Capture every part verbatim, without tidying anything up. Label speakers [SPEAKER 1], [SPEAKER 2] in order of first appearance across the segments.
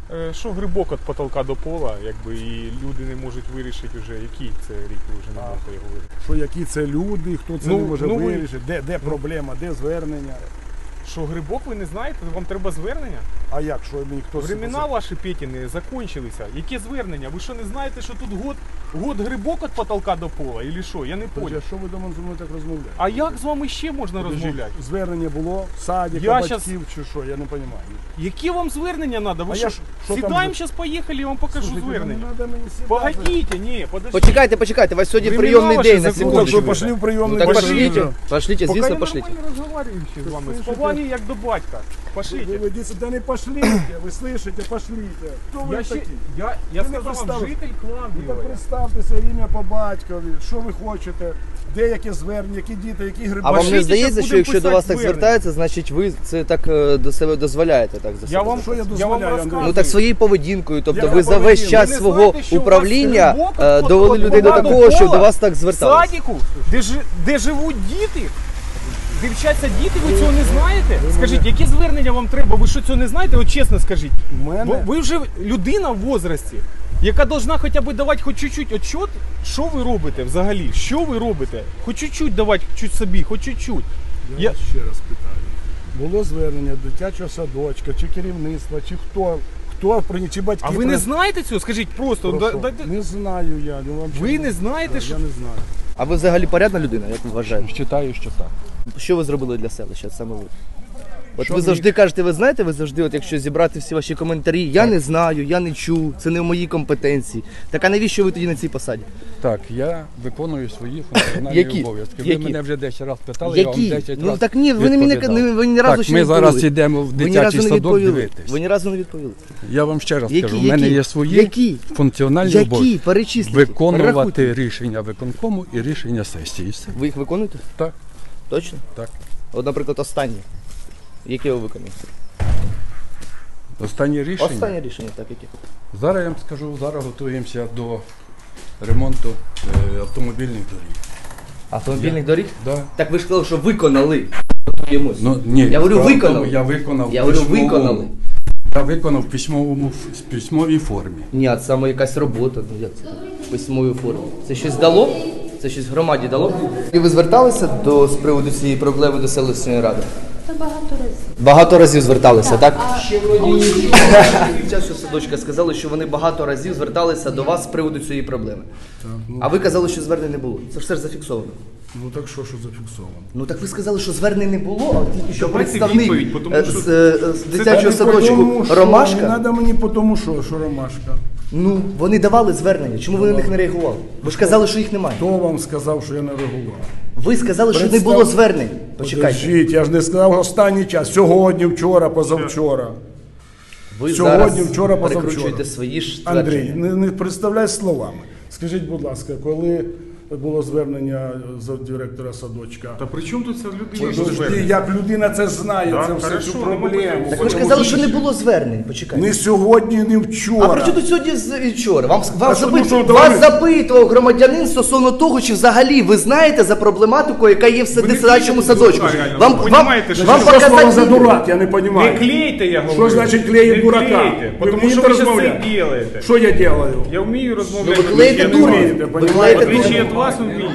[SPEAKER 1] Е, Що грибок від потолка до пола, якби, і люди не можуть вирішити вже, який це рік, ви вже не можете його вирішити.
[SPEAKER 2] Що які це люди, хто це
[SPEAKER 1] Ну,
[SPEAKER 2] не може
[SPEAKER 1] ну, ви-
[SPEAKER 2] вирішити, де, де проблема, де звернення.
[SPEAKER 1] Що грибок ви не знаєте, вам треба звернення?
[SPEAKER 2] А як, що мені хто
[SPEAKER 1] Времена ваші Петіни закончилися. Яке звернення? Ви що не знаєте, що тут год, год грибок від потолка до пола? Или що? Я не
[SPEAKER 2] Подожди,
[SPEAKER 1] понял.
[SPEAKER 2] а що ви до мене зі мною так розмовляєте?
[SPEAKER 1] А як з вами ще можна
[SPEAKER 2] Подожди,
[SPEAKER 1] розмовляти?
[SPEAKER 2] Звернення було, садика,
[SPEAKER 1] Я
[SPEAKER 2] батьків
[SPEAKER 1] щас-
[SPEAKER 2] чи що, я не розумію.
[SPEAKER 1] Які вам звернення треба? Ви
[SPEAKER 2] А
[SPEAKER 1] що,
[SPEAKER 2] я ж- що там
[SPEAKER 1] сідаємо
[SPEAKER 2] за-
[SPEAKER 1] зараз, поїхали, я вам покажу
[SPEAKER 2] Слушайте,
[SPEAKER 1] звернення.
[SPEAKER 2] не треба мені сідати.
[SPEAKER 1] Погодите, ні, подождите.
[SPEAKER 3] Почекайте, почекайте, у вас сьогодні
[SPEAKER 1] Времена
[SPEAKER 3] прийомний
[SPEAKER 1] ваші
[SPEAKER 3] день на
[SPEAKER 1] закончились.
[SPEAKER 2] Ну, так що
[SPEAKER 3] секундочку.
[SPEAKER 2] пошли в прийомний
[SPEAKER 3] Ну так
[SPEAKER 2] день.
[SPEAKER 3] пошлите, пошлите,
[SPEAKER 1] Пока
[SPEAKER 3] звісно,
[SPEAKER 1] я
[SPEAKER 3] пошлите.
[SPEAKER 1] нормально разговариваю ще з вами. З
[SPEAKER 2] Слышите?
[SPEAKER 1] поваги як до батька.
[SPEAKER 2] Ви
[SPEAKER 1] Пошлите.
[SPEAKER 2] ведіться, да не пошлите, ви слышите, пошлите. Хто ви
[SPEAKER 1] Я, ще,
[SPEAKER 2] такі?
[SPEAKER 1] я, я
[SPEAKER 2] Ви не
[SPEAKER 1] сказав вам,
[SPEAKER 2] представились.
[SPEAKER 1] житель
[SPEAKER 2] Ну так
[SPEAKER 1] Кландієва.
[SPEAKER 2] представтеся ім'я по батькові, що ви хочете, де яке звернення, які діти, які гриби.
[SPEAKER 3] А вам не
[SPEAKER 1] Пошліть,
[SPEAKER 3] здається,
[SPEAKER 1] щас
[SPEAKER 3] що
[SPEAKER 1] будемо
[SPEAKER 3] якщо до вас
[SPEAKER 1] писати
[SPEAKER 3] так
[SPEAKER 1] звернення.
[SPEAKER 3] звертаються, значить ви це так е, до себе дозволяєте так за себе?
[SPEAKER 1] Я вам,
[SPEAKER 2] Що я
[SPEAKER 1] я вам
[SPEAKER 2] дозволяю, Андрій?
[SPEAKER 1] розказую.
[SPEAKER 3] Ну так своєю поведінкою, тобто
[SPEAKER 2] Яка
[SPEAKER 3] ви за весь
[SPEAKER 2] поведінка?
[SPEAKER 3] час
[SPEAKER 1] Ви не
[SPEAKER 3] свого
[SPEAKER 1] знаєте, що у вас
[SPEAKER 3] управління
[SPEAKER 1] грибок
[SPEAKER 3] е,
[SPEAKER 1] от-
[SPEAKER 3] довели
[SPEAKER 1] от
[SPEAKER 3] людей до
[SPEAKER 1] пола
[SPEAKER 3] такого, що
[SPEAKER 1] пола,
[SPEAKER 3] до вас так
[SPEAKER 1] В
[SPEAKER 3] зверталися.
[SPEAKER 1] садіку, де, жи- де живуть діти, де вчаться діти, ви цього не знаєте? Скажіть, яке звернення вам треба? Ви що цього не знаєте? От чесно скажіть.
[SPEAKER 2] У мене-
[SPEAKER 1] Бо ви вже людина в возрасті, яка должна хоча б давати хоч чуть-чуть отчет, що ви робите взагалі? Що ви робите? Хоч чуть-чуть давати чуть собі, хоч чуть-чуть.
[SPEAKER 2] Я,
[SPEAKER 1] Я-
[SPEAKER 2] вас ще раз питаю. Було звернення дитячого садочка, чи керівництва, чи хто, хто приніс, чи батьки.
[SPEAKER 1] А ви не
[SPEAKER 2] при-
[SPEAKER 1] знаєте цього? Скажіть просто.
[SPEAKER 2] Про
[SPEAKER 1] да-
[SPEAKER 2] що?
[SPEAKER 1] да- да-
[SPEAKER 2] Не знаю я. Ну, вам
[SPEAKER 1] Ви
[SPEAKER 2] чесно.
[SPEAKER 1] не знаєте,
[SPEAKER 2] Да,
[SPEAKER 1] що-
[SPEAKER 2] Я не знаю.
[SPEAKER 3] А ви взагалі порядна людина, як ви вважаєте?
[SPEAKER 2] Вважаю, що так.
[SPEAKER 3] Що ви зробили для селища саме ви? От
[SPEAKER 2] Що
[SPEAKER 3] ви
[SPEAKER 2] мені-
[SPEAKER 3] завжди кажете, ви знаєте, ви завжди, от якщо зібрати всі ваші коментарі, я не знаю, я не чув, це не в моїй компетенції. Так а навіщо ви тоді на цій посаді?
[SPEAKER 4] Так, я виконую свої функціональні
[SPEAKER 3] Які?
[SPEAKER 4] обов'язки. Ви
[SPEAKER 3] Які?
[SPEAKER 4] мене вже десять разів питали, я вам
[SPEAKER 3] Які?
[SPEAKER 4] десять
[SPEAKER 3] Ну
[SPEAKER 4] разів
[SPEAKER 3] так ні, ви, не мені,
[SPEAKER 4] відповідав.
[SPEAKER 3] не, ви ні разу
[SPEAKER 4] Так,
[SPEAKER 3] ще
[SPEAKER 4] ми
[SPEAKER 3] не
[SPEAKER 4] зараз
[SPEAKER 3] відповіли.
[SPEAKER 4] йдемо в
[SPEAKER 3] Ви ні разу
[SPEAKER 4] дитячий
[SPEAKER 3] не
[SPEAKER 4] садок
[SPEAKER 3] відповіли.
[SPEAKER 4] дивитись.
[SPEAKER 3] Ви ні разу не відповіли.
[SPEAKER 4] Я вам ще раз
[SPEAKER 3] Які?
[SPEAKER 4] кажу, в мене
[SPEAKER 3] Які?
[SPEAKER 4] є свої
[SPEAKER 3] Які?
[SPEAKER 4] функціональні
[SPEAKER 3] Які?
[SPEAKER 4] обов'язки.
[SPEAKER 3] Перечисліть.
[SPEAKER 4] Виконувати
[SPEAKER 3] Перерахуйте.
[SPEAKER 4] рішення виконкому і рішення сесії. Все.
[SPEAKER 3] Ви їх виконуєте?
[SPEAKER 4] Так,
[SPEAKER 3] Точно?
[SPEAKER 4] так.
[SPEAKER 3] От, наприклад, останнє. Яке ви виконуєте?
[SPEAKER 4] Останнє рішення.
[SPEAKER 3] Останнє рішення, так, яке?
[SPEAKER 4] Зараз я вам скажу, зараз готуємося до ремонту е, автомобільних доріг.
[SPEAKER 3] Автомобільних доріг?
[SPEAKER 4] Да.
[SPEAKER 3] Так ви ж сказали, що виконали. Готуємось.
[SPEAKER 4] Ну, ні,
[SPEAKER 3] Я говорю,
[SPEAKER 4] справа в
[SPEAKER 3] виконали.
[SPEAKER 4] тому, Я виконав
[SPEAKER 3] Я говорю,
[SPEAKER 4] письмовому-
[SPEAKER 3] виконали.
[SPEAKER 4] Я виконав в письмовому в письмовій формі.
[SPEAKER 3] Ні, а це саме якась робота. Ну як це? В письмовій формі. Це щось дало? Це щось громаді дало? І ви зверталися до з приводу цієї проблеми до селищної ради?
[SPEAKER 5] Та багато разів.
[SPEAKER 3] Багато разів зверталися, так?
[SPEAKER 5] А
[SPEAKER 3] Під час садочка сказали, що вони багато разів зверталися до вас з приводу цієї проблеми. А ви казали, що звернень не було. Це ж все ж зафіксовано.
[SPEAKER 2] Ну так що, що зафіксовано?
[SPEAKER 3] Ну так ви сказали, що звернень не було, а тільки що
[SPEAKER 1] Давайте
[SPEAKER 3] представник
[SPEAKER 1] відповідь, тому
[SPEAKER 3] е,
[SPEAKER 1] що
[SPEAKER 3] з, е, з дитячого
[SPEAKER 2] Та не
[SPEAKER 3] садочку
[SPEAKER 2] потому, що, Не
[SPEAKER 3] Ромашка.
[SPEAKER 2] треба мені по тому, що, що Ромашка.
[SPEAKER 3] Ну, вони давали звернення. Чому ви на них не реагували? Ви ж казали, що їх немає.
[SPEAKER 2] Хто вам сказав, що я не реагував?
[SPEAKER 3] Ви сказали, що не
[SPEAKER 2] Представ-
[SPEAKER 3] було звернень. Почекайте.
[SPEAKER 2] Подождіть, я ж не сказав останній час. Сьогодні, вчора, позавчора.
[SPEAKER 3] Ви
[SPEAKER 2] Сьогодні,
[SPEAKER 3] зараз
[SPEAKER 2] вчора, позавчора.
[SPEAKER 3] перекручуєте свої ж
[SPEAKER 2] Андрій,
[SPEAKER 3] твердження.
[SPEAKER 2] не, не представляй словами. Скажіть, будь ласка, коли було звернення з директора садочка?
[SPEAKER 1] Та при чому тут ця людина?
[SPEAKER 2] Подожди, як людина це знає,
[SPEAKER 1] Да,
[SPEAKER 2] це все
[SPEAKER 1] хорошо,
[SPEAKER 2] цю
[SPEAKER 1] ну,
[SPEAKER 2] проблему.
[SPEAKER 3] Так ви ж казали, що не було звернень. Почекайте.
[SPEAKER 2] Не сьогодні, не вчора.
[SPEAKER 3] А при чому тут сьогодні з вчора? Вам, вам
[SPEAKER 2] що,
[SPEAKER 3] запит...
[SPEAKER 2] ну, що,
[SPEAKER 3] вас
[SPEAKER 2] давай.
[SPEAKER 3] запитував громадянин стосовно того, чи взагалі ви знаєте за проблематику, яка є в
[SPEAKER 1] Ви не
[SPEAKER 3] садичному
[SPEAKER 1] клеїте
[SPEAKER 3] садочку.
[SPEAKER 1] дурака, реально.
[SPEAKER 3] Вам,
[SPEAKER 1] Ви
[SPEAKER 3] вам,
[SPEAKER 1] понімаєте, що
[SPEAKER 3] вам
[SPEAKER 2] Що слово
[SPEAKER 3] показати
[SPEAKER 2] за
[SPEAKER 3] відео?
[SPEAKER 2] дурак, я не розумію.
[SPEAKER 1] Не клейте, я говорю.
[SPEAKER 2] Що значить клеїть
[SPEAKER 1] Не
[SPEAKER 2] дурака?
[SPEAKER 1] клейте,
[SPEAKER 2] Ви
[SPEAKER 1] тому що
[SPEAKER 2] вмієте
[SPEAKER 1] ви зараз
[SPEAKER 2] розмовляти?
[SPEAKER 1] це робите.
[SPEAKER 2] Що я делаю?
[SPEAKER 1] Я вмію
[SPEAKER 3] Ну,
[SPEAKER 1] розмовляти.
[SPEAKER 3] ви клеїте
[SPEAKER 1] я не
[SPEAKER 3] дурня.
[SPEAKER 1] вмію.
[SPEAKER 3] Ви
[SPEAKER 2] понімаєте?
[SPEAKER 3] клеїте
[SPEAKER 1] В отличие
[SPEAKER 3] дурня.
[SPEAKER 1] від вас вмію.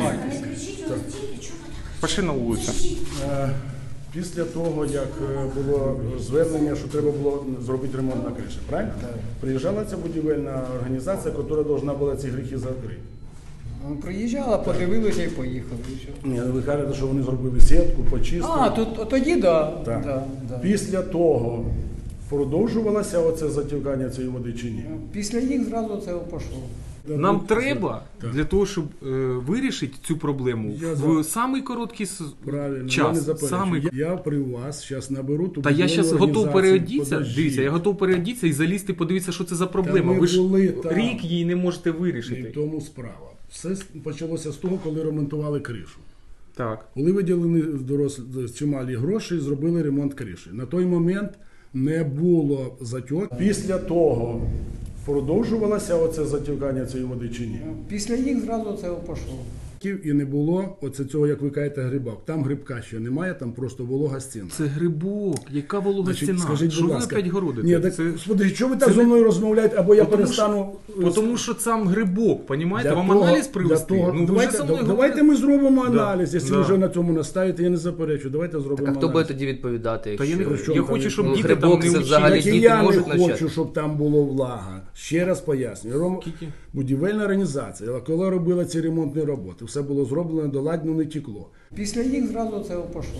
[SPEAKER 1] Пошли на вулицю.
[SPEAKER 2] Е, Після того, як е, було звернення, що треба було зробити ремонт на криші, правильно? Приїжджала ця будівельна організація, яка повинна була ці гріхи закрити.
[SPEAKER 6] Ну, приїжджала, подивилися і поїхали. і все.
[SPEAKER 2] Ні, ви кажете, що вони зробили сітку, почистили.
[SPEAKER 6] А, тут, тоді да.
[SPEAKER 2] Так.
[SPEAKER 6] Да, да.
[SPEAKER 2] Після того продовжувалося оце затікання цієї води чи ні?
[SPEAKER 6] Після їх зразу це пішло.
[SPEAKER 1] Нам треба для того, щоб е, вирішити цю проблему
[SPEAKER 2] Я
[SPEAKER 1] в самий короткий с-
[SPEAKER 2] Правильно, я не
[SPEAKER 1] час.
[SPEAKER 2] заперечую.
[SPEAKER 1] Самий...
[SPEAKER 2] Я, я при вас зараз наберу ту
[SPEAKER 1] Та я
[SPEAKER 2] будівельну
[SPEAKER 1] зараз готов
[SPEAKER 2] організацію.
[SPEAKER 1] переодітися.
[SPEAKER 2] Подождіть.
[SPEAKER 1] Дивіться, я готов переодітися і залізти, подивитися, що це за проблема.
[SPEAKER 2] ми
[SPEAKER 1] Ви ж
[SPEAKER 2] були там.
[SPEAKER 1] рік її не можете
[SPEAKER 2] І в
[SPEAKER 1] вирішити.
[SPEAKER 2] тому справа. Все почалося з того, коли ремонтували кришу.
[SPEAKER 1] Так.
[SPEAKER 2] Коли виділені дорослі чималі гроші, зробили ремонт криші. На той момент не було затьок. Після того продовжувалося оце затікання цієї води чи ні?
[SPEAKER 6] Після їх зразу це пішло.
[SPEAKER 2] відсотків і не було оце цього, як ви кажете, грибок. Там грибка ще немає, там просто волога стіна.
[SPEAKER 1] Це грибок, яка волога
[SPEAKER 2] Значить,
[SPEAKER 1] стіна?
[SPEAKER 2] скажіть,
[SPEAKER 1] Що
[SPEAKER 2] будь
[SPEAKER 1] ви
[SPEAKER 2] ласка.
[SPEAKER 1] опять городите?
[SPEAKER 2] Ні, так,
[SPEAKER 1] Це...
[SPEAKER 2] господи, що ви так
[SPEAKER 1] це
[SPEAKER 2] зі
[SPEAKER 1] не-
[SPEAKER 2] мною розмовляєте, або я
[SPEAKER 1] Потому
[SPEAKER 2] перестану...
[SPEAKER 1] що, тому що сам грибок, понімаєте?
[SPEAKER 2] Для
[SPEAKER 1] Вам
[SPEAKER 2] того-
[SPEAKER 1] аналіз
[SPEAKER 2] для
[SPEAKER 1] привести?
[SPEAKER 2] того-
[SPEAKER 1] Ну, ви
[SPEAKER 2] давайте,
[SPEAKER 1] вже со мною
[SPEAKER 2] давайте
[SPEAKER 1] говорили.
[SPEAKER 2] ми зробимо
[SPEAKER 1] Да,
[SPEAKER 2] аналіз. Якщо
[SPEAKER 1] да.
[SPEAKER 2] ви вже на цьому настаєте, я не заперечу. Давайте зробимо
[SPEAKER 3] Так а хто
[SPEAKER 2] аналіз.
[SPEAKER 3] буде тоді відповідати?
[SPEAKER 1] Та я, не,
[SPEAKER 3] якщо-
[SPEAKER 2] чому
[SPEAKER 1] я
[SPEAKER 2] там
[SPEAKER 1] хочу, щоб
[SPEAKER 3] ну,
[SPEAKER 1] діти
[SPEAKER 3] грибок
[SPEAKER 1] там
[SPEAKER 3] це
[SPEAKER 1] не
[SPEAKER 3] взагалі
[SPEAKER 2] Так
[SPEAKER 1] вчили.
[SPEAKER 2] і
[SPEAKER 3] діти
[SPEAKER 2] я не
[SPEAKER 3] можуть
[SPEAKER 2] хочу,
[SPEAKER 3] навчати.
[SPEAKER 2] щоб там було влага. Ще раз пояснюю. Ром-
[SPEAKER 1] Скільки?
[SPEAKER 2] Будівельна організація, коли робила ці ремонтні роботи, все було зроблено, доладно не тікло.
[SPEAKER 6] Після них зразу це пішло.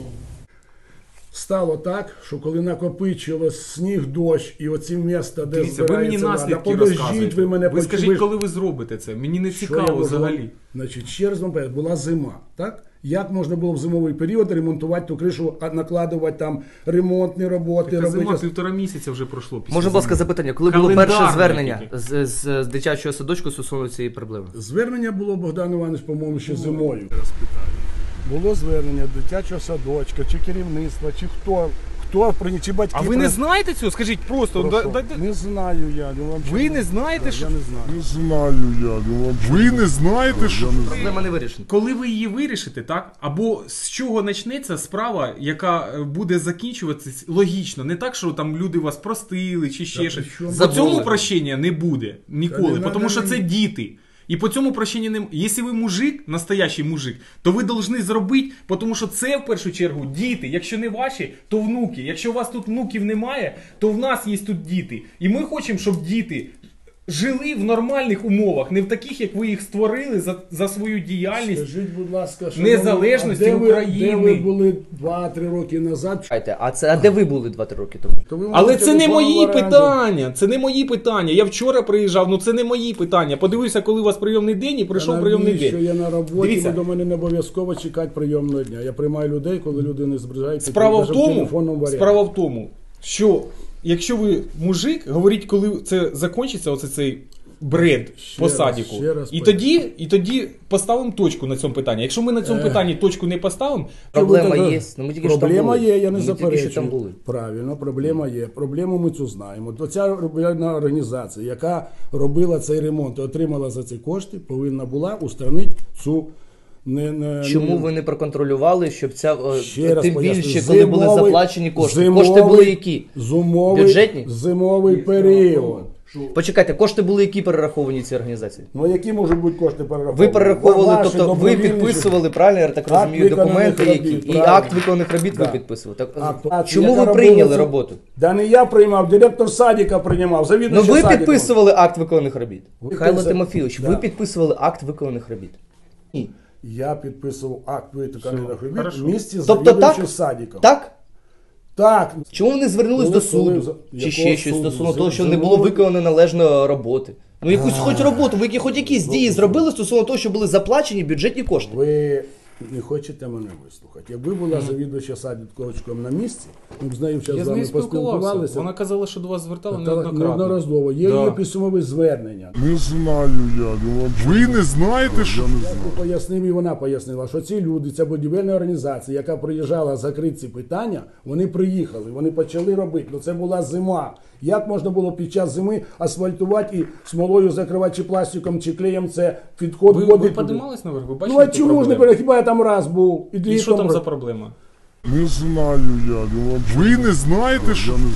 [SPEAKER 2] Стало так, що коли накопичилось сніг, дощ і оці міста, де
[SPEAKER 1] Дивіться, ви мені
[SPEAKER 2] збирається вода,
[SPEAKER 1] наслідки
[SPEAKER 2] подождіть,
[SPEAKER 1] розказуєте.
[SPEAKER 2] ви мене
[SPEAKER 1] Ви
[SPEAKER 2] почули.
[SPEAKER 1] скажіть, коли ви зробите це? Мені не
[SPEAKER 2] Що я
[SPEAKER 1] цікаво
[SPEAKER 2] можу-
[SPEAKER 1] взагалі.
[SPEAKER 2] Значить, ще раз вам поясню, була зима, так? Як можна було в зимовий період ремонтувати ту кришу, а накладувати там ремонтні роботи,
[SPEAKER 1] Така зима
[SPEAKER 2] робити...
[SPEAKER 1] півтора місяця вже пройшло. після
[SPEAKER 3] Можна, будь ласка,
[SPEAKER 1] зими.
[SPEAKER 3] запитання, коли було
[SPEAKER 1] Календарне
[SPEAKER 3] перше звернення
[SPEAKER 1] тільки.
[SPEAKER 3] з, з, з дитячого садочку стосовно цієї проблеми?
[SPEAKER 2] Звернення було, Богдан Іванович, по-моєму, ще зимою. Раз питаю. Було звернення дитячого садочка, чи керівництва, чи хто, хто прині- чи батьки.
[SPEAKER 1] А ви не
[SPEAKER 2] при-
[SPEAKER 1] знаєте цього? Скажіть просто.
[SPEAKER 2] Про
[SPEAKER 1] да-
[SPEAKER 2] що?
[SPEAKER 1] да- да-
[SPEAKER 2] Не знаю я. ну, вам
[SPEAKER 1] Ви
[SPEAKER 2] чесно.
[SPEAKER 1] не знаєте,
[SPEAKER 2] Так,
[SPEAKER 1] що-
[SPEAKER 2] Я не знаю.
[SPEAKER 7] Не знаю я. ну, Ви не знаєте, що...
[SPEAKER 3] Проблема не вирішена.
[SPEAKER 1] Коли ви її вирішите, так? Або з чого почнеться справа, яка е, буде закінчуватися логічно. Не так, що там люди вас простили чи ще
[SPEAKER 2] Та
[SPEAKER 1] щось.
[SPEAKER 2] при чому
[SPEAKER 1] По
[SPEAKER 3] Забули.
[SPEAKER 1] цьому прощення не буде
[SPEAKER 2] Та
[SPEAKER 1] ніколи,
[SPEAKER 2] не
[SPEAKER 1] тому
[SPEAKER 2] надо
[SPEAKER 1] що
[SPEAKER 2] мені.
[SPEAKER 1] це діти. І по цьому прощенню не... Якщо ви мужик, настоящий мужик, то ви повинні зробити, тому що це в першу чергу діти. Якщо не ваші, то внуки. Якщо у вас тут внуків немає, то в нас є тут діти. І ми хочемо, щоб діти жили в нормальних умовах, не в таких, як ви їх створили за, за свою діяльність.
[SPEAKER 2] Скажіть, будь ласка, шановні,
[SPEAKER 1] Незалежності
[SPEAKER 2] а де ви-
[SPEAKER 1] України.
[SPEAKER 2] Де ви були два-три роки назад?
[SPEAKER 3] Чекайте, а це а де ви були два-три роки тому?
[SPEAKER 2] То ви
[SPEAKER 1] Але
[SPEAKER 2] можете
[SPEAKER 1] це не
[SPEAKER 2] телефон
[SPEAKER 1] мої
[SPEAKER 2] в оренду.
[SPEAKER 1] питання. Це не мої питання. Я вчора приїжджав, ну це не мої питання. Подивився, коли у вас прийомний день, і прийшов
[SPEAKER 2] Та
[SPEAKER 1] прийомний
[SPEAKER 2] навіщо?
[SPEAKER 1] день.
[SPEAKER 2] Я на роботі,
[SPEAKER 1] Дивіться.
[SPEAKER 2] ви до мене не обов'язково чекати прийомного дня. Я приймаю людей, коли люди не збирають.
[SPEAKER 1] Справа в тому,
[SPEAKER 2] телефонному варіанті.
[SPEAKER 1] справа в тому, що якщо ви мужик, говоріть, коли це закінчиться, оце цей бред
[SPEAKER 2] Ще
[SPEAKER 1] по
[SPEAKER 2] раз,
[SPEAKER 1] садіку.
[SPEAKER 2] ще раз
[SPEAKER 1] І
[SPEAKER 2] поясню.
[SPEAKER 1] тоді, і тоді поставимо точку на цьому питанні. Якщо ми на цьому
[SPEAKER 2] Е.
[SPEAKER 1] питанні точку не поставимо,
[SPEAKER 3] Проблема
[SPEAKER 2] Що ви
[SPEAKER 3] є.
[SPEAKER 2] так-
[SPEAKER 3] Ну, ми тільки що там
[SPEAKER 2] Проблема
[SPEAKER 3] були.
[SPEAKER 2] є, я не
[SPEAKER 3] Ми тільки
[SPEAKER 2] заперечую.
[SPEAKER 3] що там були.
[SPEAKER 2] Правильно, проблема є. Проблему ми цю знаємо. То ця будівельна організація, яка робила цей ремонт і отримала за ці кошти, повинна була устранити цю не, не,
[SPEAKER 3] Чому
[SPEAKER 2] не-
[SPEAKER 3] ви не проконтролювали, щоб ця е,
[SPEAKER 2] Ще раз
[SPEAKER 3] тим
[SPEAKER 2] поясню.
[SPEAKER 3] більше, коли були
[SPEAKER 2] Зимовий-
[SPEAKER 3] заплачені кошти?
[SPEAKER 2] зимовий-
[SPEAKER 3] Кошти були які?
[SPEAKER 2] Зимовий,
[SPEAKER 3] Бюджетні?
[SPEAKER 2] Зимовий період.
[SPEAKER 3] Почекайте, кошти були які перераховані цій організації?
[SPEAKER 2] Ну які можуть бути кошти перераховані?
[SPEAKER 3] Ви перераховували,
[SPEAKER 2] Ваші
[SPEAKER 3] тобто ви
[SPEAKER 2] добровільні
[SPEAKER 3] підписували, правильно, я так
[SPEAKER 2] Акт
[SPEAKER 3] розумію,
[SPEAKER 2] виконаних
[SPEAKER 3] документи які?
[SPEAKER 2] робіт,
[SPEAKER 3] І
[SPEAKER 2] правильно.
[SPEAKER 3] акт виконаних робіт ви
[SPEAKER 2] Да.
[SPEAKER 3] підписували. Так,
[SPEAKER 2] Акт- акт,
[SPEAKER 3] чому
[SPEAKER 2] яка
[SPEAKER 3] ви
[SPEAKER 2] робила
[SPEAKER 3] прийняли
[SPEAKER 2] це-
[SPEAKER 3] роботу?
[SPEAKER 2] Да не я приймав, директор садика приймав,
[SPEAKER 3] Ну
[SPEAKER 2] завідуючий
[SPEAKER 3] ви
[SPEAKER 2] садиком.
[SPEAKER 3] підписували акт виконаних робіт.
[SPEAKER 2] Ви
[SPEAKER 3] Михайло
[SPEAKER 2] підписали-
[SPEAKER 3] Тимофійович, ви
[SPEAKER 2] Да.
[SPEAKER 3] підписували акт виконаних робіт? Ні.
[SPEAKER 2] Я підписував акт виконаних робіт
[SPEAKER 1] хорошо.
[SPEAKER 2] в місті з
[SPEAKER 3] Тобто
[SPEAKER 2] завідуючим
[SPEAKER 3] так?
[SPEAKER 2] садиком.
[SPEAKER 3] Так?
[SPEAKER 2] Так.
[SPEAKER 3] Чому вони звернулись
[SPEAKER 2] Коли-
[SPEAKER 3] до суду?
[SPEAKER 2] коли-
[SPEAKER 3] Чи
[SPEAKER 2] якого
[SPEAKER 3] ще щось
[SPEAKER 2] суду?
[SPEAKER 3] стосовно
[SPEAKER 2] З-
[SPEAKER 3] того, що не
[SPEAKER 2] зимовий-
[SPEAKER 3] було виконано належно роботи? Ну якусь хоч роботу, ви які хоч якісь дії зробили стосовно того, що були заплачені бюджетні кошти?
[SPEAKER 2] Ви не хочете мене вислухати. Якби була завідувача садочком на місці, ми б з нею
[SPEAKER 1] я
[SPEAKER 2] зараз
[SPEAKER 1] з
[SPEAKER 2] з вами
[SPEAKER 1] нею спілкувався.
[SPEAKER 2] поспілкувалися.
[SPEAKER 1] Вона казала, що до вас звертала
[SPEAKER 2] Та-
[SPEAKER 1] неоднократно.
[SPEAKER 2] Неодноразово. Є
[SPEAKER 1] Да.
[SPEAKER 2] її письмове звернення.
[SPEAKER 7] Не знаю я. ну, Ви не знаєте, що...
[SPEAKER 2] Я пояснив, і вона пояснила, що ці люди, ця будівельна організація, яка приїжджала закрити ці питання, вони приїхали, вони почали робити. Ну це була зима. Як можна було під час зими асфальтувати і смолою закривати чи пластиком, чи клеєм це підход
[SPEAKER 1] Ви,
[SPEAKER 2] води
[SPEAKER 1] ви
[SPEAKER 2] туди?
[SPEAKER 1] піднімались наверх? Ви
[SPEAKER 2] Ну
[SPEAKER 1] бачили
[SPEAKER 2] а
[SPEAKER 1] ту
[SPEAKER 2] чому ж не
[SPEAKER 1] проблему?
[SPEAKER 2] пере- хіба я там раз був? І,
[SPEAKER 1] І
[SPEAKER 2] літом
[SPEAKER 1] що там
[SPEAKER 2] ро-
[SPEAKER 1] за проблема?
[SPEAKER 7] Не знаю я. ну, Ви не знаєте, що... Я не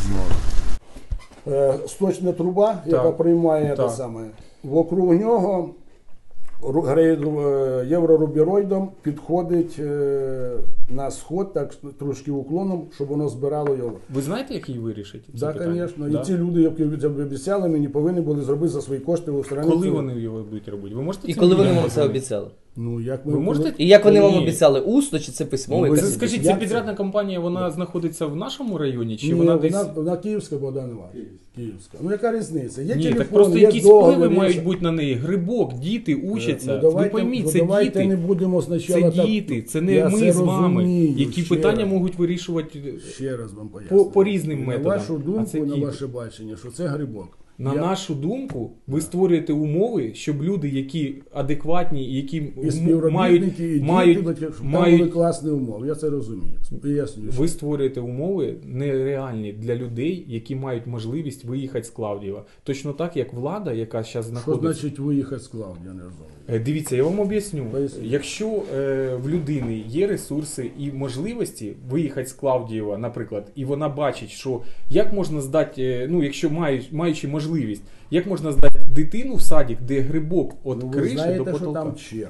[SPEAKER 7] знаю.
[SPEAKER 2] Е, сточна труба, яка приймає
[SPEAKER 1] Так.
[SPEAKER 2] те саме. Вокруг нього ру- грейд- е, єврорубіроїдом підходить е, на сход, так трошки уклоном, щоб воно збирало його.
[SPEAKER 1] Ви знаєте, як її вирішити? ці
[SPEAKER 2] Так,
[SPEAKER 1] питання?
[SPEAKER 2] звісно.
[SPEAKER 1] Да?
[SPEAKER 2] І ці люди, які обіцяли мені, повинні були зробити за свої кошти в стороні.
[SPEAKER 1] Коли
[SPEAKER 2] цього.
[SPEAKER 1] вони його будуть робити? Ви можете
[SPEAKER 3] І
[SPEAKER 1] цим
[SPEAKER 3] коли вони
[SPEAKER 1] людям
[SPEAKER 3] вам це
[SPEAKER 1] позвонити?
[SPEAKER 3] обіцяли?
[SPEAKER 2] Ну, як ми,
[SPEAKER 1] Ви можете?
[SPEAKER 3] І як вони вам
[SPEAKER 1] Ні.
[SPEAKER 3] обіцяли? Усно чи це письмово?
[SPEAKER 2] Ну, ви
[SPEAKER 3] якась-
[SPEAKER 1] Скажіть,
[SPEAKER 2] Як
[SPEAKER 1] ця
[SPEAKER 2] це?
[SPEAKER 1] підрядна компанія, вона знаходиться в нашому районі, чи
[SPEAKER 2] Ні,
[SPEAKER 1] вона
[SPEAKER 2] вона,
[SPEAKER 1] десь...
[SPEAKER 2] вона київська, Богдан Іванович. Київська. Ну яка різниця? Є
[SPEAKER 1] Ні,
[SPEAKER 2] телефон,
[SPEAKER 1] так просто
[SPEAKER 2] є
[SPEAKER 1] якісь
[SPEAKER 2] договір,
[SPEAKER 1] впливи
[SPEAKER 2] є
[SPEAKER 1] мають
[SPEAKER 2] все.
[SPEAKER 1] бути на неї. Грибок, діти учаться.
[SPEAKER 2] Ну, давайте,
[SPEAKER 1] Ви пойміть,
[SPEAKER 2] ну,
[SPEAKER 1] це
[SPEAKER 2] давайте
[SPEAKER 1] діти.
[SPEAKER 2] не будемо спочатку
[SPEAKER 1] Це
[SPEAKER 2] так-
[SPEAKER 1] діти, це не
[SPEAKER 2] Я
[SPEAKER 1] ми
[SPEAKER 2] це
[SPEAKER 1] з вами,
[SPEAKER 2] розумію,
[SPEAKER 1] які
[SPEAKER 2] ще
[SPEAKER 1] питання
[SPEAKER 2] раз.
[SPEAKER 1] можуть вирішувати.
[SPEAKER 2] Ще раз вам поясню.
[SPEAKER 1] По- по різним
[SPEAKER 2] І
[SPEAKER 1] методам.
[SPEAKER 2] На вашу
[SPEAKER 1] А
[SPEAKER 2] думку,
[SPEAKER 1] це
[SPEAKER 2] на
[SPEAKER 1] діти.
[SPEAKER 2] ваше бачення, що це грибок.
[SPEAKER 1] На
[SPEAKER 2] Я-
[SPEAKER 1] нашу думку, ви створюєте умови, щоб люди, які адекватні, які
[SPEAKER 2] І
[SPEAKER 1] м-
[SPEAKER 2] співробітники, і
[SPEAKER 1] мають,
[SPEAKER 2] діти,
[SPEAKER 1] мають,
[SPEAKER 2] щоб там
[SPEAKER 1] мають
[SPEAKER 2] були класні умови. Я це розумію. Пояснюю.
[SPEAKER 1] ви створюєте умови нереальні для людей, які мають можливість виїхати з Клавдієва. Точно так, як влада, яка зараз
[SPEAKER 2] Що
[SPEAKER 1] знаходиться.
[SPEAKER 2] значить виїхати з Клавдії? Я не розумію.
[SPEAKER 1] Е, Дивіться, я вам об'ясню.
[SPEAKER 2] Поясніть.
[SPEAKER 1] Якщо е, в людини є ресурси і можливості виїхати з Клавдієва, наприклад, і вона бачить, що як можна здати, е, ну якщо мають, маючи можливість, як можна здати дитину в садик, де грибок від
[SPEAKER 2] Ну, ви
[SPEAKER 1] криші
[SPEAKER 2] знаєте,
[SPEAKER 1] до
[SPEAKER 2] що
[SPEAKER 1] потолка.
[SPEAKER 2] там черга.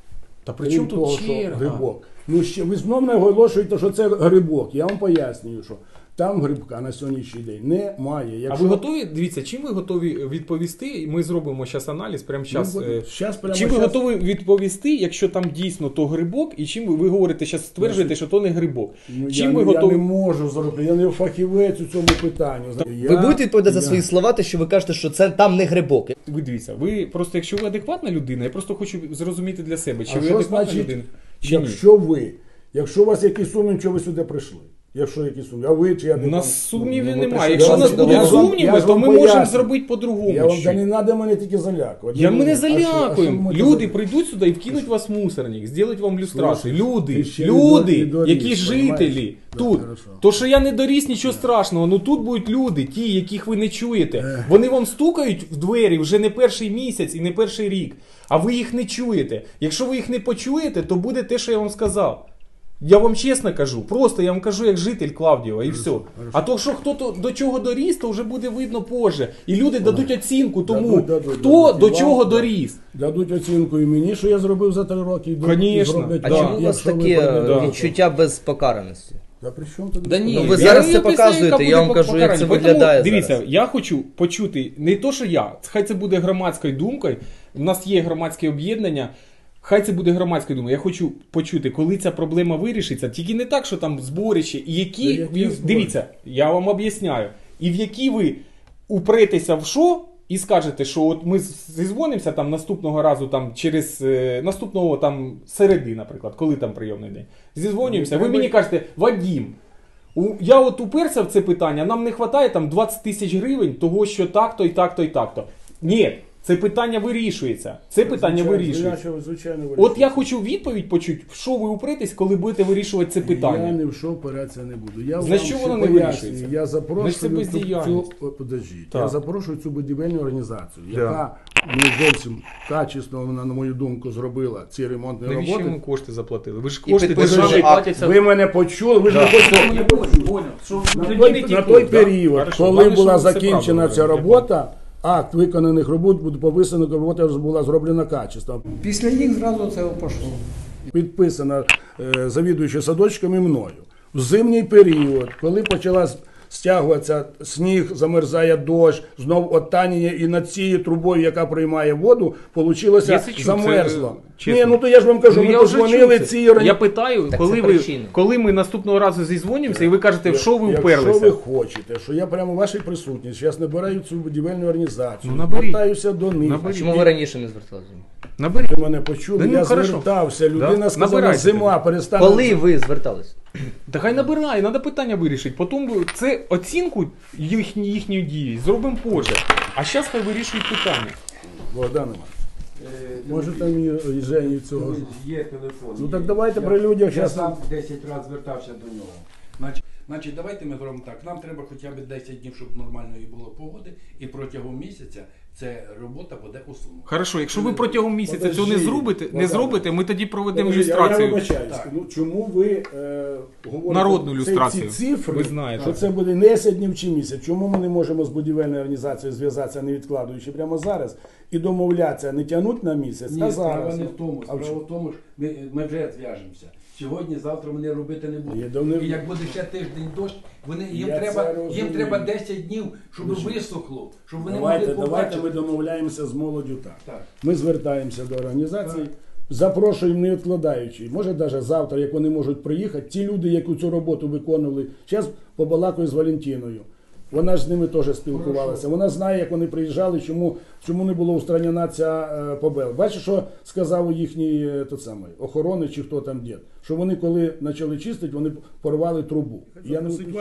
[SPEAKER 1] Та при чому
[SPEAKER 2] Крім того,
[SPEAKER 1] тут
[SPEAKER 2] що
[SPEAKER 1] черга?
[SPEAKER 2] грибок. Ну, ще, ви знов наголошуєте, що це грибок. Я вам пояснюю, що там грибка на сьогоднішній день немає.
[SPEAKER 1] А
[SPEAKER 2] Якщо...
[SPEAKER 1] ви готові? Дивіться, чим ви готові відповісти? Ми зробимо зараз аналіз прямо зараз.
[SPEAKER 2] Ну, щас прямо
[SPEAKER 1] Чим ви
[SPEAKER 2] щас-
[SPEAKER 1] готові відповісти, якщо там дійсно то грибок, і чим ви, ви говорите, зараз стверджуєте, що то не грибок?
[SPEAKER 2] Ну,
[SPEAKER 1] Чим
[SPEAKER 2] я,
[SPEAKER 1] ви
[SPEAKER 2] не-
[SPEAKER 1] готові?
[SPEAKER 2] я не можу зробити, я не фахівець у цьому питанні.
[SPEAKER 3] Ви
[SPEAKER 2] Я-
[SPEAKER 3] будете відповідати за
[SPEAKER 2] я-
[SPEAKER 3] свої слова, те, що ви кажете, що це там не грибок.
[SPEAKER 1] Ви дивіться, ви просто, якщо ви адекватна людина, я просто хочу зрозуміти для себе, чи
[SPEAKER 2] А
[SPEAKER 1] ви
[SPEAKER 2] що
[SPEAKER 1] адекватна
[SPEAKER 2] значить,
[SPEAKER 1] людина, чи ні.
[SPEAKER 2] якщо ви, якщо у вас якісь сумніви, що ви сюди прийшли? Якщо якісь сумніви, а ви чи я
[SPEAKER 1] У нас сумнівів
[SPEAKER 3] ну,
[SPEAKER 1] немає.
[SPEAKER 3] я
[SPEAKER 1] Якщо у
[SPEAKER 3] вам-
[SPEAKER 1] нас
[SPEAKER 3] я
[SPEAKER 1] будуть
[SPEAKER 3] вам-
[SPEAKER 1] сумніви,
[SPEAKER 2] я ж
[SPEAKER 1] то
[SPEAKER 2] вам
[SPEAKER 1] ми можемо
[SPEAKER 2] поясню.
[SPEAKER 1] зробити по-другому.
[SPEAKER 2] Я вам
[SPEAKER 1] ще.
[SPEAKER 2] та не треба мене тільки залякувати.
[SPEAKER 1] Я
[SPEAKER 2] Ну,
[SPEAKER 1] мене
[SPEAKER 2] а що- а що ви
[SPEAKER 1] залякуємо.
[SPEAKER 2] можете
[SPEAKER 1] Люди
[SPEAKER 2] зробити?
[SPEAKER 1] прийдуть сюди і вкинуть вас в мусорник, зроблять вам люстрацію.
[SPEAKER 2] Слушай,
[SPEAKER 1] Люди,
[SPEAKER 2] ти ще
[SPEAKER 1] люди,
[SPEAKER 2] не до- не
[SPEAKER 1] які
[SPEAKER 2] доріс,
[SPEAKER 1] жителі
[SPEAKER 2] понімаєш?
[SPEAKER 1] тут.
[SPEAKER 2] Да, хорошо.
[SPEAKER 1] То, що я не доріс, нічого страшного. Ну тут будуть люди, ті, яких ви не чуєте. Вони вам стукають в двері вже не перший місяць і не перший рік, а ви їх не чуєте. Якщо ви їх не почуєте, то буде те, що я вам сказав. Я вам чесно кажу, просто я вам кажу як житель Клавдієва і все. А то, що хто то до чого доріс, то вже буде видно позже. І люди дадуть оцінку тому,
[SPEAKER 2] Дадуть, дадуть,
[SPEAKER 1] хто
[SPEAKER 2] дадуть.
[SPEAKER 1] до
[SPEAKER 2] І
[SPEAKER 1] чого
[SPEAKER 2] вам, да.
[SPEAKER 1] доріс.
[SPEAKER 2] Дадуть оцінку і мені, що я зробив за три роки. І до-
[SPEAKER 1] Конечно.
[SPEAKER 2] і зроблять
[SPEAKER 3] А
[SPEAKER 1] Да.
[SPEAKER 2] вам,
[SPEAKER 3] чому у вас
[SPEAKER 2] якщо ви
[SPEAKER 3] таке
[SPEAKER 2] прийдете.
[SPEAKER 3] відчуття безпокараності?
[SPEAKER 2] Та при чому тут?
[SPEAKER 1] Да ні,
[SPEAKER 3] Ну, ви
[SPEAKER 1] я
[SPEAKER 3] зараз
[SPEAKER 1] не
[SPEAKER 3] це
[SPEAKER 1] описую,
[SPEAKER 3] показуєте,
[SPEAKER 1] яка
[SPEAKER 3] я вам
[SPEAKER 1] буде
[SPEAKER 3] кажу, як це
[SPEAKER 1] покарання.
[SPEAKER 3] виглядає
[SPEAKER 1] Тому, Дивіться,
[SPEAKER 3] зараз.
[SPEAKER 1] я хочу почути не то, що я, хай це буде громадською думкою. У нас є громадське об'єднання. Хай це буде громадською думкою. Я хочу почути, коли ця проблема вирішиться. Тільки не так, що там зборище, і які.
[SPEAKER 2] Та які
[SPEAKER 1] ви-
[SPEAKER 2] збори?
[SPEAKER 1] Дивіться, я вам об'ясняю. І в які ви упретеся в що і скажете, що от ми зізвонимося там наступного разу, там через е, наступного там середи, наприклад, коли там прийомний день. Зізвонюємося, ви мені кажете, Вадім, у, я от уперся в це питання, нам не вистачає там двадцять тисяч гривень того, що так-то і так-то і так-то. Ні, це питання вирішується. Це питання
[SPEAKER 2] Звичайно,
[SPEAKER 1] вирішується.
[SPEAKER 2] звичайно, звичайно,
[SPEAKER 1] От
[SPEAKER 2] вирішується.
[SPEAKER 1] я хочу відповідь почути, в що ви упретесь, коли будете вирішувати це
[SPEAKER 2] Я
[SPEAKER 1] питання.
[SPEAKER 2] не в що опиратися не буду. Я
[SPEAKER 1] Значить,
[SPEAKER 2] вам
[SPEAKER 1] що
[SPEAKER 2] ще
[SPEAKER 1] воно не
[SPEAKER 2] пояснюю.
[SPEAKER 1] вирішується?
[SPEAKER 2] Я
[SPEAKER 1] Значить, це
[SPEAKER 2] запрошую цю,
[SPEAKER 1] бездіяльність.
[SPEAKER 2] цю, о, подождіть.
[SPEAKER 1] Так.
[SPEAKER 2] Я запрошую цю будівельну організацію,
[SPEAKER 1] Да.
[SPEAKER 2] яка не зовсім качесно, вона, на мою думку, зробила ці ремонтні
[SPEAKER 1] Навіщо
[SPEAKER 2] роботи.
[SPEAKER 1] йому кошти заплатили? Ви ж
[SPEAKER 3] І
[SPEAKER 1] кошти
[SPEAKER 3] підписуєте
[SPEAKER 1] державні
[SPEAKER 3] акт.
[SPEAKER 1] платяться.
[SPEAKER 2] Ви мене почули, ви ж не хочете мене почути. На той, на той період, коли була закінчена ця робота, акт виконаних робот буде повисено, робота була зроблена качественно.
[SPEAKER 6] Після їх зразу це пішло.
[SPEAKER 2] Підписана е, завідуючим садочками мною. В зимній період, коли почала стягуватися сніг, замерзає дощ, знов оттанення, і над цією трубою, яка приймає воду, вийшло
[SPEAKER 1] Я це чув,
[SPEAKER 2] замерзло.
[SPEAKER 1] це, чесно.
[SPEAKER 2] Ні, ну то я ж вам кажу,
[SPEAKER 1] Ну,
[SPEAKER 2] ми
[SPEAKER 1] я вже
[SPEAKER 2] подзвонили
[SPEAKER 1] чув це.
[SPEAKER 2] цій органі-
[SPEAKER 1] Я питаю,
[SPEAKER 3] Так
[SPEAKER 1] коли
[SPEAKER 3] це
[SPEAKER 1] ви,
[SPEAKER 3] причина.
[SPEAKER 1] коли ми наступного разу зізвонимося, і ви кажете, в що ви
[SPEAKER 2] Якщо
[SPEAKER 1] вперлися?
[SPEAKER 2] ви хочете, що я прямо в вашій присутності, зараз набираю цю будівельну організацію,
[SPEAKER 1] Ну, наберіть.
[SPEAKER 2] звертаюся до них.
[SPEAKER 1] Наберіть.
[SPEAKER 3] Чому ви раніше не зверталися?
[SPEAKER 1] Наберіть.
[SPEAKER 2] Ви мене почули,
[SPEAKER 1] Да ну,
[SPEAKER 2] я
[SPEAKER 1] хорошо.
[SPEAKER 2] звертався, людина
[SPEAKER 1] Да.
[SPEAKER 2] сказала,
[SPEAKER 1] Набирайте
[SPEAKER 2] зима,
[SPEAKER 1] тоді.
[SPEAKER 2] перестане.
[SPEAKER 3] Коли ви звертались?
[SPEAKER 1] Та хай набирає, треба питання вирішити. Потім це оцінку їхні, їхньої дії зробимо позже. А зараз хай вирішують питання.
[SPEAKER 2] Богдан Іванович, можете мені і Жені цього?
[SPEAKER 4] Є телефон.
[SPEAKER 2] Ну
[SPEAKER 4] є.
[SPEAKER 2] так давайте
[SPEAKER 4] Я-
[SPEAKER 2] при людях
[SPEAKER 4] Я
[SPEAKER 2] щас-
[SPEAKER 4] сам десять разів звертався до нього. Значить, значить, давайте ми зробимо так. Нам треба хоча б десять днів, щоб нормальної було погоди, і протягом місяця ця робота буде усунута.
[SPEAKER 1] Хорошо, якщо ви протягом місяця цього не
[SPEAKER 2] Подожди,
[SPEAKER 1] зробите, не
[SPEAKER 2] Богдан.
[SPEAKER 1] зробите, ми тоді проведемо
[SPEAKER 2] Подожди, Я, я
[SPEAKER 1] ілюстрацію.
[SPEAKER 2] вибачаюсь.
[SPEAKER 4] Так.
[SPEAKER 2] Ну, чому ви е, говорите
[SPEAKER 1] Народну
[SPEAKER 2] ці-
[SPEAKER 1] ілюстрацію.
[SPEAKER 2] ці цифри,
[SPEAKER 1] Ви знаєте.
[SPEAKER 2] що це буде не десять днів чи місяць? Чому ми не можемо з будівельною організацією зв'язатися, не відкладуючи прямо зараз, і домовлятися, не тягнути на місяць,
[SPEAKER 4] Ні,
[SPEAKER 2] а
[SPEAKER 4] справа
[SPEAKER 2] зараз?
[SPEAKER 4] не в тому.
[SPEAKER 2] А в
[SPEAKER 4] Справа
[SPEAKER 2] чому?
[SPEAKER 4] в тому, що ми, ми вже зв'яжемося. Сьогодні, завтра вони робити не
[SPEAKER 2] Є,
[SPEAKER 4] будуть.
[SPEAKER 2] да вони-
[SPEAKER 4] І як буде ще тиждень дощ, вони, їм,
[SPEAKER 2] Я
[SPEAKER 4] треба,
[SPEAKER 2] це
[SPEAKER 4] їм
[SPEAKER 2] розумію.
[SPEAKER 4] треба десять днів, щоб
[SPEAKER 2] Слушай,
[SPEAKER 4] висохло, щоб вони
[SPEAKER 2] Давайте,
[SPEAKER 4] могли
[SPEAKER 2] давайте
[SPEAKER 4] побачити.
[SPEAKER 2] ми домовляємося з молоддю так.
[SPEAKER 4] Так.
[SPEAKER 2] Ми звертаємося до організації, запрошуємо не відкладаючи. Може навіть завтра, як вони можуть приїхати, ті люди, які цю роботу виконували, зараз побалакаю з Валентиною. Вона ж з ними теж спілкувалася. Вона знає, як вони приїжджали, чому, чому не було устранена ця е, побел. Бачиш, що сказав їхній е, тот самий, охорони чи хто там дід? Що вони, коли почали чистити, вони порвали трубу. Я не вас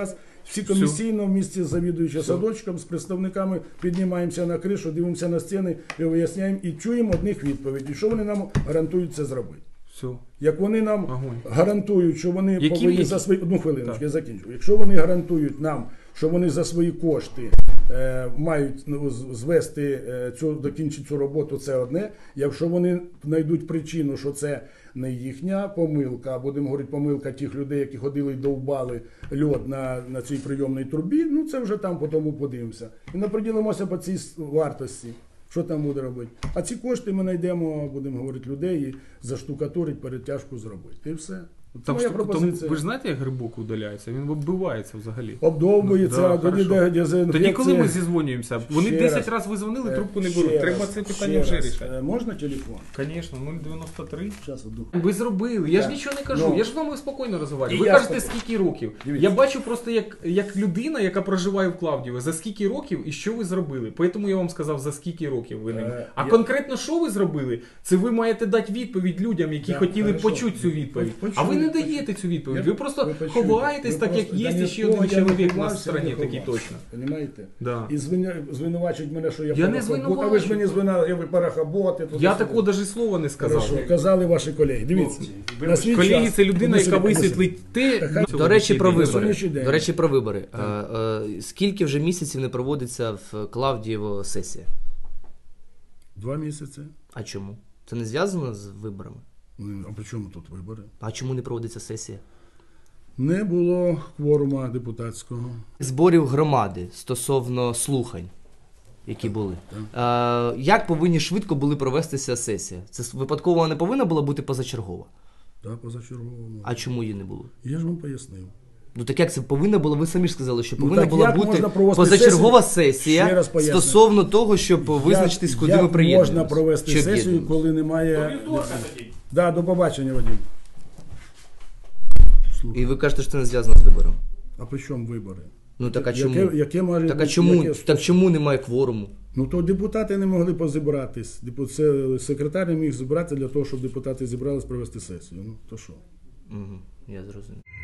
[SPEAKER 2] Всі комісійно в місті з завідуючим садочком, з представниками піднімаємося на кришу, дивимося на стіни і виясняємо і чуємо одних відповідей, що вони нам гарантують це зробити.
[SPEAKER 1] Все.
[SPEAKER 2] Як вони нам
[SPEAKER 1] Огонь.
[SPEAKER 2] гарантують, що вони
[SPEAKER 1] Які-
[SPEAKER 2] повинні
[SPEAKER 1] які?
[SPEAKER 2] за свої одну хвилиночку,
[SPEAKER 1] Так.
[SPEAKER 2] я закінчу. Якщо вони гарантують нам, що вони за свої кошти е, мають ну, з- звести е, цю докінчити цю роботу, це одне. Якщо вони знайдуть причину, що це не їхня помилка, а будемо говорити, помилка тих людей, які ходили і довбали льод на, на цій прийомній трубі, ну це вже там потім подивимося. І наприділимося по цій с- вартості. Що там буде робити? А ці кошти ми знайдемо, будемо говорити, людей і заштукатурить, перетяжку зробити. І все. Це
[SPEAKER 1] Там,
[SPEAKER 2] моя
[SPEAKER 1] штука- там,
[SPEAKER 2] пропозиція.
[SPEAKER 1] ви ж знаєте, як грибок удаляється? Він оббивається взагалі.
[SPEAKER 2] Обдовбується,
[SPEAKER 1] Ну, да,
[SPEAKER 2] тоді
[SPEAKER 1] хорошо.
[SPEAKER 2] де дезінфекція.
[SPEAKER 1] Тоді, коли ми зізвонюємося, вони
[SPEAKER 2] Ще
[SPEAKER 1] десять
[SPEAKER 2] раз.
[SPEAKER 1] разів ви дзвонили,
[SPEAKER 2] Е,
[SPEAKER 1] трубку не
[SPEAKER 2] ще
[SPEAKER 1] беруть.
[SPEAKER 2] раз,
[SPEAKER 1] Треба це питання
[SPEAKER 2] ще
[SPEAKER 1] вже
[SPEAKER 2] раз.
[SPEAKER 1] рішати.
[SPEAKER 2] Е, Можна телефон?
[SPEAKER 1] Звісно, нуль дев'яносто три.
[SPEAKER 2] Зараз одну.
[SPEAKER 1] Ви зробили, я ж
[SPEAKER 2] Так.
[SPEAKER 1] нічого не кажу,
[SPEAKER 2] Ну.
[SPEAKER 1] я ж з вами спокійно
[SPEAKER 2] І
[SPEAKER 1] розмовляю. Ви
[SPEAKER 2] я
[SPEAKER 1] кажете,
[SPEAKER 2] спокійно.
[SPEAKER 1] скільки років.
[SPEAKER 2] Дивіться.
[SPEAKER 1] Я бачу просто як, як людина, яка проживає в Клавдієві, за скільки років і що ви зробили. Тому я вам сказав, за скільки років ви не.
[SPEAKER 2] Е,
[SPEAKER 1] А
[SPEAKER 2] я-
[SPEAKER 1] конкретно що ви зробили, це ви маєте дати відповідь людям, які
[SPEAKER 2] Так,
[SPEAKER 1] хотіли
[SPEAKER 2] хорошо.
[SPEAKER 1] почути цю відповідь.
[SPEAKER 2] Почули,
[SPEAKER 1] А ви не
[SPEAKER 2] почули.
[SPEAKER 1] даєте цю відповідь.
[SPEAKER 2] Я-
[SPEAKER 1] Ви просто
[SPEAKER 2] ви почули.
[SPEAKER 1] ховаєтесь,
[SPEAKER 2] Ви
[SPEAKER 1] так як
[SPEAKER 2] просто-
[SPEAKER 1] є
[SPEAKER 2] да
[SPEAKER 1] ще
[SPEAKER 2] ніхто
[SPEAKER 1] один
[SPEAKER 2] я не
[SPEAKER 1] чоловік на
[SPEAKER 2] ховався,
[SPEAKER 1] стороні,
[SPEAKER 2] не
[SPEAKER 1] такий
[SPEAKER 2] ховався.
[SPEAKER 1] точно.
[SPEAKER 2] Понімаєте?
[SPEAKER 1] Да.
[SPEAKER 2] І звиня... звинувачують мене, що я,
[SPEAKER 1] Я не
[SPEAKER 2] парахобот. А ви ж мені звинувачуєте, ви парахоботи. туди
[SPEAKER 1] Я
[SPEAKER 2] сюди.
[SPEAKER 1] такого навіть слова не сказав.
[SPEAKER 2] Хорошо, казали ваші колеги. Дивіться. На свій
[SPEAKER 1] Колеги,
[SPEAKER 2] час-
[SPEAKER 1] це людина,
[SPEAKER 2] Одну
[SPEAKER 1] яка
[SPEAKER 2] секунду,
[SPEAKER 1] висвітлить те.
[SPEAKER 2] Так,
[SPEAKER 1] цього
[SPEAKER 3] До речі, про
[SPEAKER 1] засідання.
[SPEAKER 3] вибори.
[SPEAKER 2] сьогоднішній день.
[SPEAKER 3] До речі, про вибори. Е, е, Скільки вже місяців не проводиться в Клавдієво сесія?
[SPEAKER 2] Два місяці.
[SPEAKER 3] А чому? Це не зв'язано з виборами?
[SPEAKER 2] Ну, а при чому тут вибори?
[SPEAKER 3] А чому не проводиться сесія?
[SPEAKER 2] Не було кворума депутатського.
[SPEAKER 3] Зборів громади стосовно слухань, які були. Е, як повинні швидко були провестися сесія? Це випадково не повинна була бути позачергова?
[SPEAKER 2] Так, позачерговому.
[SPEAKER 3] А чому її не було?
[SPEAKER 2] Я ж вам пояснив.
[SPEAKER 3] Ну так як це повинна була? Ви самі ж сказали, що
[SPEAKER 2] Ну,
[SPEAKER 3] повинна
[SPEAKER 2] так
[SPEAKER 3] була
[SPEAKER 2] як
[SPEAKER 3] бути
[SPEAKER 2] можна провести
[SPEAKER 3] позачергова
[SPEAKER 2] сесію? Ще
[SPEAKER 3] сесія
[SPEAKER 2] раз поясню.
[SPEAKER 3] стосовно того, щоб визначитись,
[SPEAKER 2] Як-
[SPEAKER 3] куди
[SPEAKER 2] як
[SPEAKER 3] ми приєднуємося.
[SPEAKER 2] можна провести
[SPEAKER 3] Чи
[SPEAKER 2] сесію,
[SPEAKER 3] об'єднуємося?
[SPEAKER 2] коли немає... Да, до побачення, Вадим.
[SPEAKER 3] І ви кажете, що це не зв'язано з вибором.
[SPEAKER 2] А при чому вибори?
[SPEAKER 3] Ну так а
[SPEAKER 2] Яке-
[SPEAKER 3] чому?
[SPEAKER 2] яке має
[SPEAKER 3] Так а
[SPEAKER 2] бути-
[SPEAKER 3] чому?
[SPEAKER 2] яке-
[SPEAKER 3] Так чому немає кворуму?
[SPEAKER 2] Ну то депутати не могли позібратись. Депу- Це секретар не міг зібрати для того, щоб депутати зібрались провести сесію. Ну то що?
[SPEAKER 3] Угу, я зрозумів.